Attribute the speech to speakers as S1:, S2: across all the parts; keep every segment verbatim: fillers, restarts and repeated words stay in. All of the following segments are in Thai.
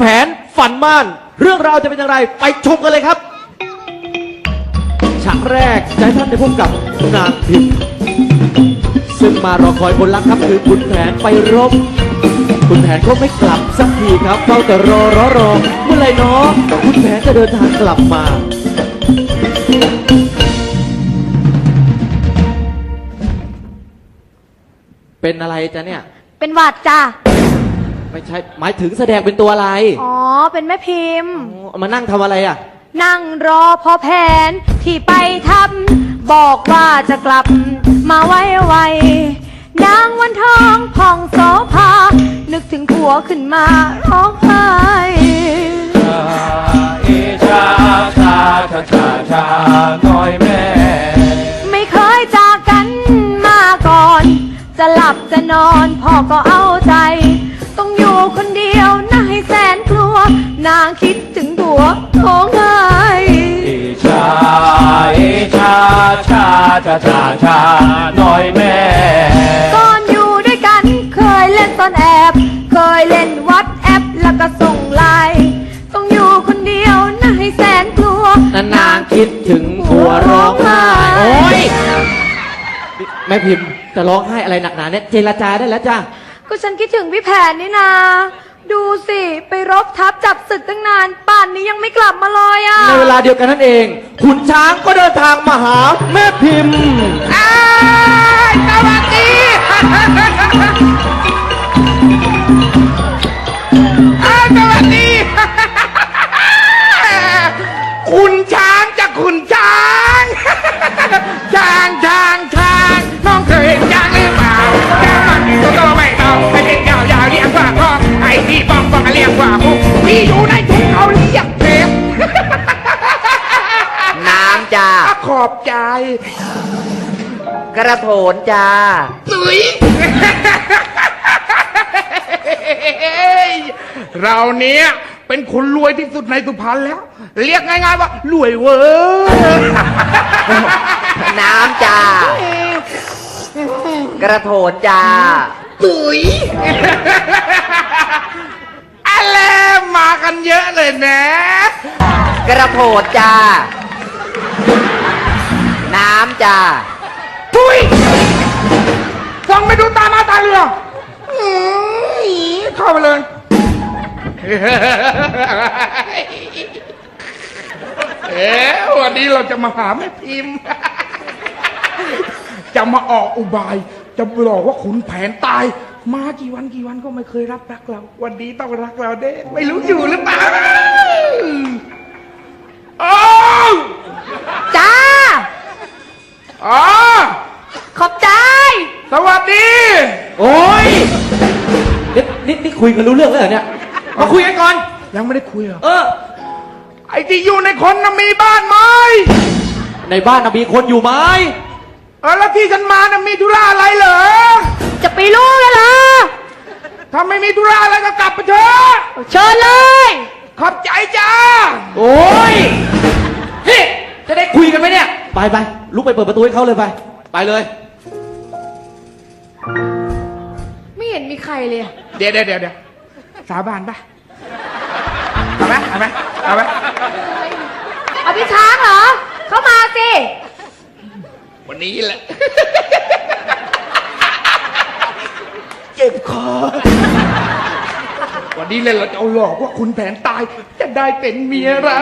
S1: นฝันม่านเรื่องราวจะเป็นอย่างไรไปชมกันเลยครับฉากแรกจะให้ท่านได้พบกับนางพิมพ์ซึ่งมารอคอยคนรักครับคือคุณแผนไปรบคุณแผนก็ไม่กลับสักทีครับเฝ้าแต่รอรอรอเมื่อไรเนาะคุณแผนจะเดินทางกลับมาเป็นอะไรจ๊ะเนี่ย
S2: เป็นหวัดจ้ะ
S1: ไม่ใช่หมายถึงแสดงเป็นตัวอะไร
S2: อ๋อเป็นแม่พิมพ์
S1: มานั่งทำอะไรอ่ะ
S2: นั่งรอพอแผนที่ไปทำบอกว่าจะกลับมาไว้ไวนางวันทองผ่องโสภานึกถึงผัวขึ้นมาร้องไห้
S3: ชาอีชาชาชาชาชาน้อยแม่
S2: ไม่เคยจากกันมาก่อนจะหลับจะนอนพ่อก็เอาใจต้องอยู่คนเดียวน่าให้แสนกลัวนางคิดถึงผัวร้องไห้
S3: อีชาอีชาชาชาชาชาน้อยแม่
S2: ก่อนอยู่ด้วยกันเคยเล่นตอนแอบเคยเล่นวัดแอปแล้วก็ส่งไลน์ต้องอยู่คนเดียวน่าให้แสนกลัวน
S1: างคิดถึงผัวร้องไห้โอ้ยแม่พิมพ์จะร้องไห้อะไรหนักหนาเนี่ยเจรจาได้แล้วจ้ะ
S2: ก็ฉันคิดถึงพี่แผนนี่นาดูสิไปรบทับจับศึกตั้งนานป่านนี้ยังไม่กลับมาเลยอ่ะ
S1: ในเวลาเดียวกันนั่นเองขุนช้างก็เดินทางมาหาแม่พิมพ์
S4: อ้ายสวัสดีอ้ายสวัสดีคุณช้างจะคุณช้างช้างช้างช้างน้องเคยเห็นช้างหรือเปล่าช้างมันตัวโตไม่เท่าไม่เป็นยาวยาวเรียกว่าพ่อไอ้ที่ป้องป้องเรียกว่าคุกที่อยู่ในถุงเขาเรียกเทป
S5: น้ำจ้า
S4: ขอบใจ
S5: กระโถนจ้า
S4: ตุ้ยเราเนี้ยเป็นคนรวยที่สุดในสุพรรณแล้วเรียกง่ายๆว่ารวยเวอร์
S5: น้ำจ้ากระโถนจ้า
S4: ตุ๋ยอะไรมากันเยอะเลยนะ
S5: กระโถนจ้าน้ำจ้า
S4: ตุ๋ยฟังไม่ดูตามาตาเรือเข้าไปเลยเอ๊ะวันนี้เราจะมาหาแม่พิมพ์จะมาออกอุบายจะบอกว่าขุนแผนตายมากี่วันกี่วันก็ไม่เคยรับรักเราวันนี้ต้องรักเราเด้ไม่รู้อยู่หรือเปล่าโอ้
S2: จ้า
S4: อ๋อ
S2: ขอบใจ
S4: สวัสดี
S1: โอ้ยนี่นี่นี่คุยกันรู้เรื่องแล้วเหรอเนี่ยมาคุยกันก่อน
S4: ยังไม่ได้คุยเหรอ
S1: เออ
S4: ไอ้ที่อยู่ในคนน่ะมีบ้านไหม
S1: ในบ้านน่ะมีคนอยู่ไหม
S4: เออแล้วที่ฉันมาน่ะมีธุระอะไรเหรอ
S2: จะไปรู้กันเหรอ
S4: ถ้าไม่มีธุระอะไรก็กลับไปเถอะ
S2: เชิญเลย
S4: ขอบใจจ้า
S1: โอ้ยนี่จะได้คุยกันไหมเนี่ยไปไปลุกไปเปิดประตูให้เขาเลยไปไปเลย
S2: ไม่เห็นมีใครเลย
S4: เดี๋ยวเดี๋ยวเดี๋ยวสาบานปะเอาไหมเอาไหมเอาไหม
S2: เอาพี่ช้างเหรอเข้ามาสิ
S4: วันนี้แหละเจ็บคอวันนี้เลยเราจะเอาหลอกว่าคุณแผนตายจะได้เป็นเมียเรา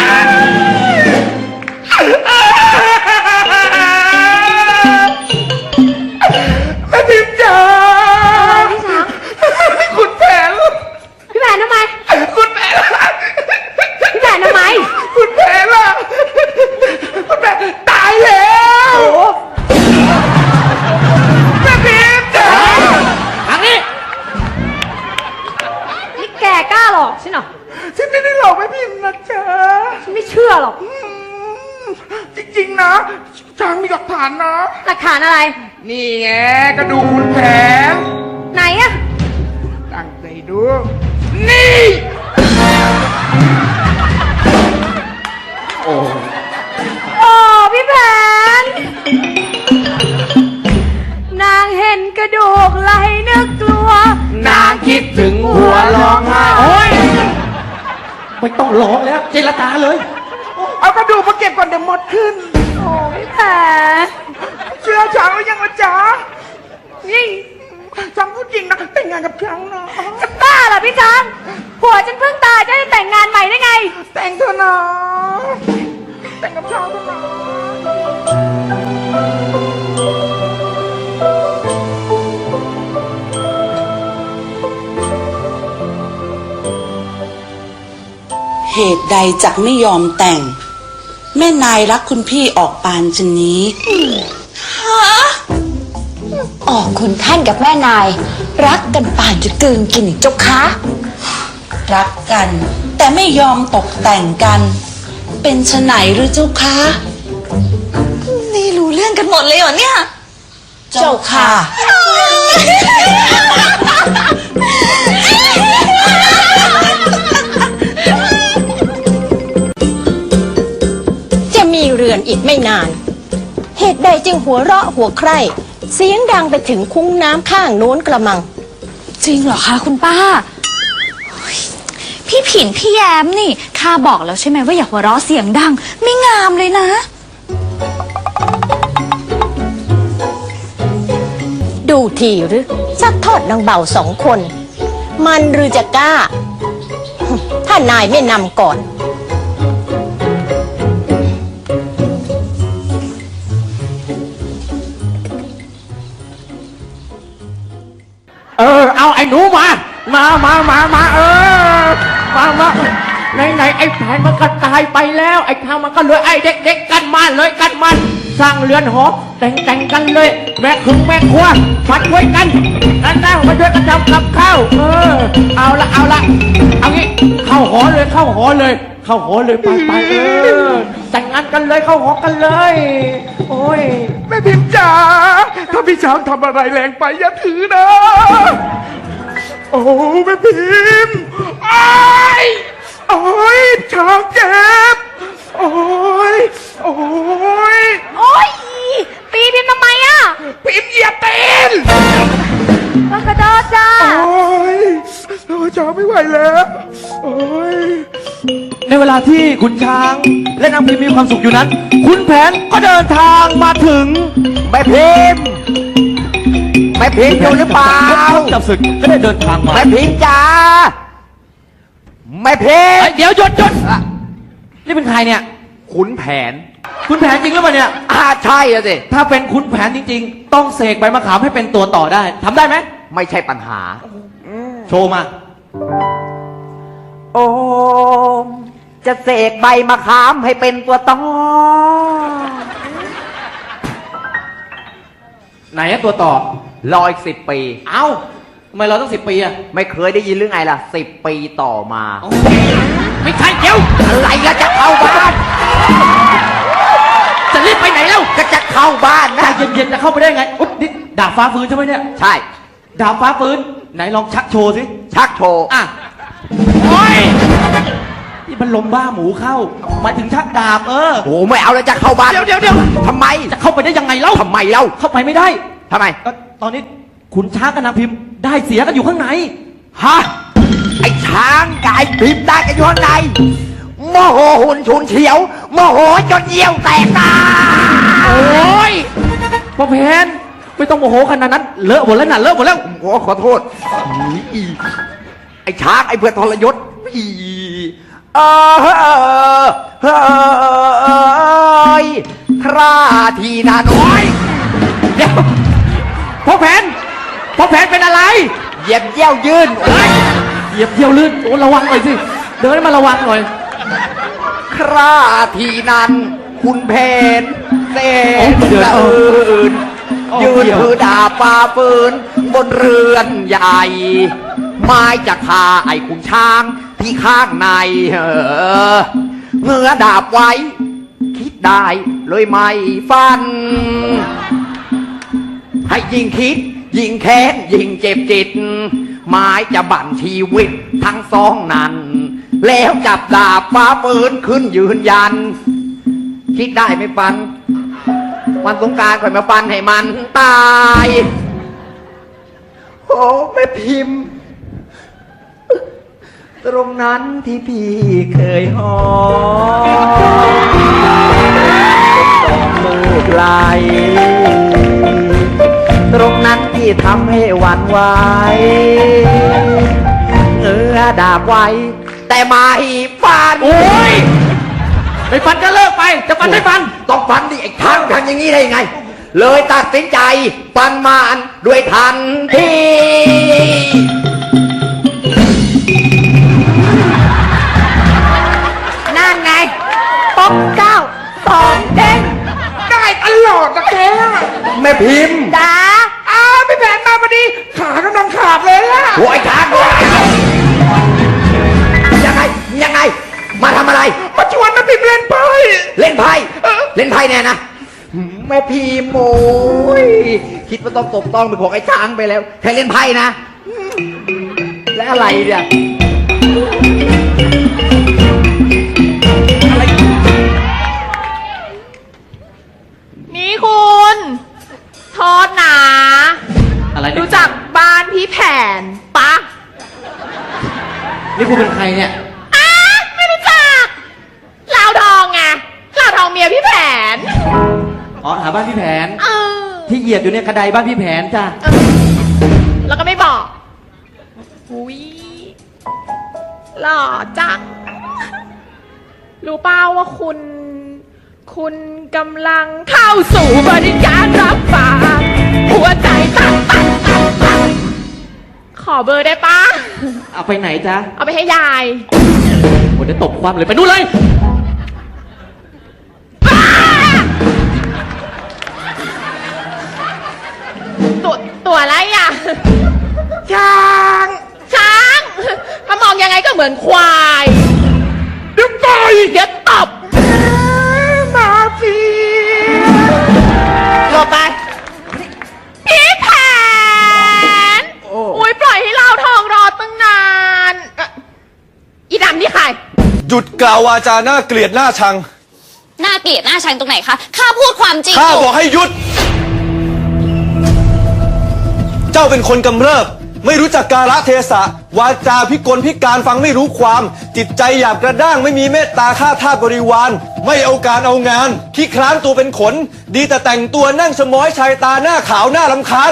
S4: แม่พิมพ์จ๋า
S2: พี่ช้าง
S4: คุณแผน
S2: พี่แผนทำไม
S4: คุณแผน
S2: พี่แผนทำไม
S4: คุณแผนล่ะคุณแผนตายแล้วแม่พิมพ์จ๋า
S1: ทางนี้
S2: นี่แกกล้าหลอกใช่หรอ
S4: ฉันไม่ได้หลอกแม่พิมพ์นะจ๊ะ
S2: ฉันไม่เชื่อหรอก
S4: จริงๆนะช้างมีหลักฐานนะ
S2: หลักฐานอะไร
S4: นี่ไงก็ดูคุณแผน
S2: ไหนอะ
S4: ตั้งใจดูนี่
S1: โอ้
S2: โอ้พี่แผนนางเห็นกระดูกไหลนึกกลัวน
S1: างคิดถึงหัวร้องไห้โอ้ยไม่ต้องร้องแล้วเจรจาเลย
S4: เอากระดูกมาเก็บก่อนเดี๋ยวหมดขึ้น
S2: โอ้ยแผน
S4: เชื่อช้างหรือยังละจ๊ะ
S2: นี่
S4: ช้างพูดจริงนะแต่งงานกับช้างนะ
S2: จะบ้าเหรอพี่ช้างผัวฉันเพิ่งตายจะได้แต่งงานใหม่ได้ไง
S4: แต่งเถอะนะแต่งกับช้างเถอะนะ
S6: เหตุใดจักไม่ยอมแต่ง แม่นายรักคุณพี่ออกปานชนนี้
S7: ออกคุณท่านกับแม่นาย รักกันป่านจะกลืนกินอีกเจ้าคะ
S6: รักกัน แต่ไม่ยอมตกแต่งกัน เป็นชะไหนหรือเจ้าคะ
S7: นี่รู้เรื่องกันหมดเลยเหรอเนี่ย
S6: เจ้าค่ะ
S8: จะมีเรือนอีกไม่นาน เหตุใดจึงหัวเราะหัวใคร่เสียงดังไปถึงคุ้งน้ำข้างโน้นกระมัง
S7: จริงเหรอคะคุณป้าเฮ้ยพี่ผินพี่แย้มนี่ข้าบอกแล้วใช่ไหมว่าอย่าหัวเราะเสียงดัง ไม่งามเลยนะ
S8: ดูทีหรือซักทอดนางเบาสองคน มันหรือจะกล้า ถ้านายไม่นำก่อน
S3: เออเอาไอ้หนูมา มามามามาเออมามาไหนไหนไอ้แผนมันก็ตายไปแล้วไอ้ทางมันก็เหลือไอ้เด็กๆกันมาเลยกันมันสร้างเรือนหอแต่งแต่งกันเลย แม่คึงแม่ครัวมาช่วยกันนั่นนะมาช่วยกันทำกับข้าวเออเอาละเอาละเอางี้เข้าหอเลยเข้าหอเลย เข้าหอเลยไปไปเออแต่งงานกันเลยเข้าหอกันเลย โอ้ย
S4: แม่พิมพ์จ๋าถ้าพี่ช้างทำอะไรแรงไปอย่าถือนะ โอ้แม่พิมพ์ไอ้ายโอ้ยช้างเจ็บโอ้ยโอ้ย
S2: โอ้ยตีพิมพ์ทำไมอ่ะ
S4: พิมพ์เหยียบตีน
S2: กระโดดจ้า
S4: โอ้ยโอ้ยช้างไม่ไหวแล้วโอ้ย
S1: ในเวลาที่ขุนช้างและนางพิมมีความสุขอยู่นั้นขุนแผนก็เดินทางมาถึง
S5: แม่พิมพ์แม่พิมพ์อยู่หรือเปล่า
S1: จับศึกก็ได้เดินทางมา
S5: แม่พิมพ์จ๋าแม่พิม
S1: เอ้
S5: พ์
S1: ยเดี๋ยวหยุดหยุดนี่เป็นใครเนี่ย
S5: ขุนแผน
S1: ขุนแผนจริงหรือเปล่าเนี่ย
S5: อ่าใช่อะสิ
S1: ถ้าเป็นขุนแผนจริงๆ ต้องเสกใบมะขามให้เป็นตัวต่อได้ทำได้ไหม
S5: ไม่ใช่ปัญหา
S1: โชว์มา
S5: โอมจะเสกใบมะขามให้เป็นตัวต่อ
S1: ไหนอะตัวต่อ
S5: รออีกสิบปี
S1: เอ้าทำไมเราต้องสิบปีอะ
S5: ไม่เคยได้ยินเรื่องไงล่ะสิบปีต่อมา
S1: ไม่ใช่เดี๋ยว
S5: อะไรก็จะเข้าบ้าน
S1: จะรีบไปไหนแล้ว
S5: ก็จะเข้าบ้าน
S1: ใจ
S5: นะ
S1: เย็นๆจะเข้าไปได้ไงอุ๊ยนี่ดาบฟ้าฟื้นใช่ไหมเนี่ย
S5: ใช่
S1: ดาบฟ้าฟื้นไหนลองชักโชว์สิ
S5: ชักโชว์
S1: อ่ะโอ้ยนี่มันลมบ้าหมูเข้าหมายถึงชักดาบเออ
S5: โอ้ไม่เอาแล้วจะเข้าบ้าน
S1: เดี๋ยวเดี๋ยวเดี๋ยว
S5: ทำไม
S1: จะเข้าไปได้ยังไงเล่า
S5: ทำไมเล่า
S1: เข้าไปไม่ได้
S5: ทำไม
S1: ก็ตอนนี้ขุนช้างกับนางพิมพ์ได้เสียกันอยู่ข้างใน
S5: ฮะไอ้ช้างกับไอ้พิมพ์ได้กันอยู่ข้างในโมโหหุ่นฉุนเฉียวโมโหจนเยี่ยวแตกตา
S1: โอ้ยพ่อเพนไม่ต้องโมโหขนาดนั้น เลอะหมดแล้วน่ะเลอะหมดแล้ว
S5: โอ้ขอโทษอีไอ้ช้างไอ้เพื่อนทรยศอีเออเออเฮ้ยคราทีนาน้อย
S1: เดี๋ยวพ่อแผนพ่อแผนเป็นอะไร
S5: เหยียบเยี่ยวยื่น
S1: เฮ้ยเหยียบเยี่ยวลื่นโอ้ระวังหน่อยสิเดินให้มันระวังหน่อย
S5: คราทีนั้นคุณเพนเส
S1: โอ้
S5: น
S1: เดือด
S5: สะอื่น
S1: โอ้
S5: ยืน
S1: เดี๋ยว
S5: ถือดาบปาปืนบนเรือนใหญ่ ไม้จะคาไอ้คุณช้างที่ข้างในเออเงื้อดาบไว้ คิดได้เลยไม่ฟัน ให้ยิ่งคิด ยิ่งแค้นยิ่งเจ็บจิต ไม้จะบั่นชีวิตทั้งสองนั้น แล้วจับดาบฟ้าปืนขึ้นยืนยัน คิดได้ไม่ฟัน วันสงกรานต์ข่อยมาฟันให้มันตาย โอ้แม่พิมพ์ตรงนั้นที่พี่เคยหอมดอกลูกไหลตรงนั้นที่ทำให้หวั่นไหวเงือดาบไว้ แต่ไม่ฟัน
S3: โอ้ยไม่ฟันก็เลิกไป จะฟันไม่ฟัน
S5: ต้องฟันดิไอ้ทั้งทำอย่างนี้ได้ยังไง เลยตัดสินใจฟันมานด้วยทันที
S2: นั่นไงป๊อกเก้าสองเด้ง
S4: ได้ตลอดนะแก
S5: แม่พิมพ์
S2: จ้า
S4: อ้าวพี่แผนมาพอดี ขากำลังขาดเลยอะ
S5: โอ้ยช้างด้วยยังไงยังไง มาทำอะไร
S4: มาชวนมาพิมพ์เล่นไพ่
S5: เล่นไพ่เล่นไพ่แน่นะแม่พิมพ์โอ้ยคิดว่าต้องตบต้องไปของไอ้ช้างไปแล้วใครเล่นไพ่นะ และอะไรเนี่ย
S2: นี่คุณโทษนะ
S3: อะไรเนี่ย
S2: รู้จักบ้านพี่แผนปะ
S3: นี่คุณเป็นใครเนี่ย
S2: อ้าไม่รู้จักลาวทองไงลาวทองเมียพี่แผน
S3: อ๋อ หาบ้านพี่แผน
S2: เออ
S3: ที่เหยียบอยู่เนี่ยกระไดบ้านพี่แผนจ้า
S2: เออแล้วก็ไม่บอกอุ้ยหล่อจัง รู้เปล่าว่าคุณ คุณกำลังเข้าสู่บริการรับฝากหัวใจตักตักตักตักขอเบอร์ได้ปะ
S3: เอาไปไหนจ้า
S2: เอาไปให้ยาย
S3: โอ้เดี๋ยวตบความเลยไปนู่นเลย
S2: ตัวตัวอะไรอ่ะ
S4: ช้าง
S2: ช้าง ถ้ามองยังไงก็เหมือนควาย
S4: เดี๋ยวต่อย
S2: เดี๋ยวตบ
S4: มาสิ
S2: หลบไป พี่แผน อุ้ยปล่อยให้เราทองรอตั้งนานเอ่ออีดำนี่ใคร
S9: หยุดกล่าววาจาหน้าเกลียดหน้าชัง
S7: หน้าเกลียดหน้าชังตรงไหนคะ ข้าพูดความจริง
S9: ข้า
S7: อยู่
S9: บอกให้หยุด เจ้าเป็นคนกำเริบ ไม่รู้จักกาลเทศะ วาจาพิกลพิการฟังไม่รู้ความ จิตใจหยาบกระด้างไม่มีเมตตาข้าทาสบริวาร ไม่เอาการเอางานขี้คร้านตัวเป็นขน ดีแต่แต่งตัวนั่งสมอยชายตาหน้าขาวหน้าลำคาญ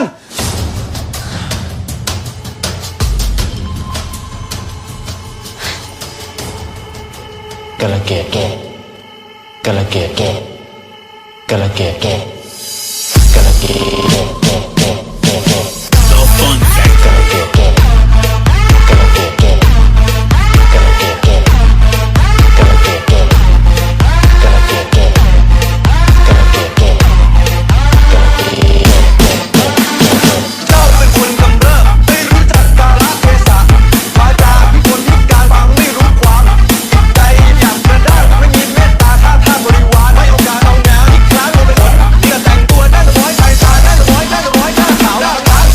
S10: กะละเกดแก่กะละเกดแก่กะละเกดแก่กะละเกดแก่แก่แก่แก่แก่กะละเกดแก่กะละเกดแก่กะละเกดแก่กะละเกดแก่กะละเกดแก่กะละเกดแก่กะละเกดแก่
S9: เจ้าเป็นคนกำเริบไม่รู้จักกาลเทศะ วาจาพิกลพิการฟังไม่รู้ความ จิตใจหยาบกระด้างไม่มีเมตตาข้าทาสบริวาร ไม่เอาการเอางานขี้คร้านตัวเป็นขน ดีแต่แต่งตัวนั่งสมอยชายตานั่งสมอยนั่งสมอยหน้าขาวหน้าลำคาญ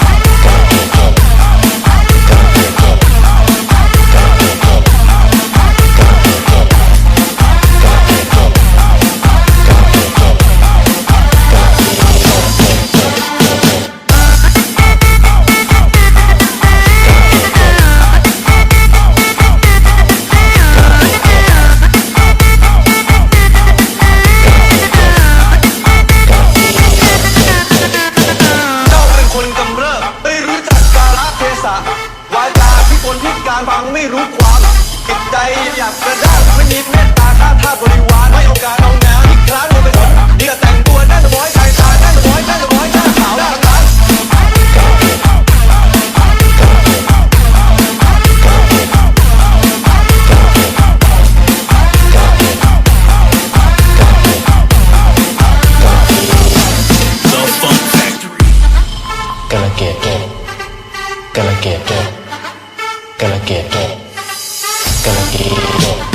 S9: เจ้าเป็นคนกำเริบไม่รู้จักกาลเทศะ วาจาพิกลพิการฟังไม่รู้ความ จิตใจหยาบกระด้างไม่มีเมตตาข้าทาสบริวาร ไม่เอาการเอางานขี้คร้านตัวเป็นขน ดีแต่แต่งตัวนั่งสมอยชายตานั่งสมอยนั่งสมอยหน้าขาวหน้าลำคาญ
S10: กะละเกดแก่กะละเกดแก่กะละเกดแก่กะละเกดแก่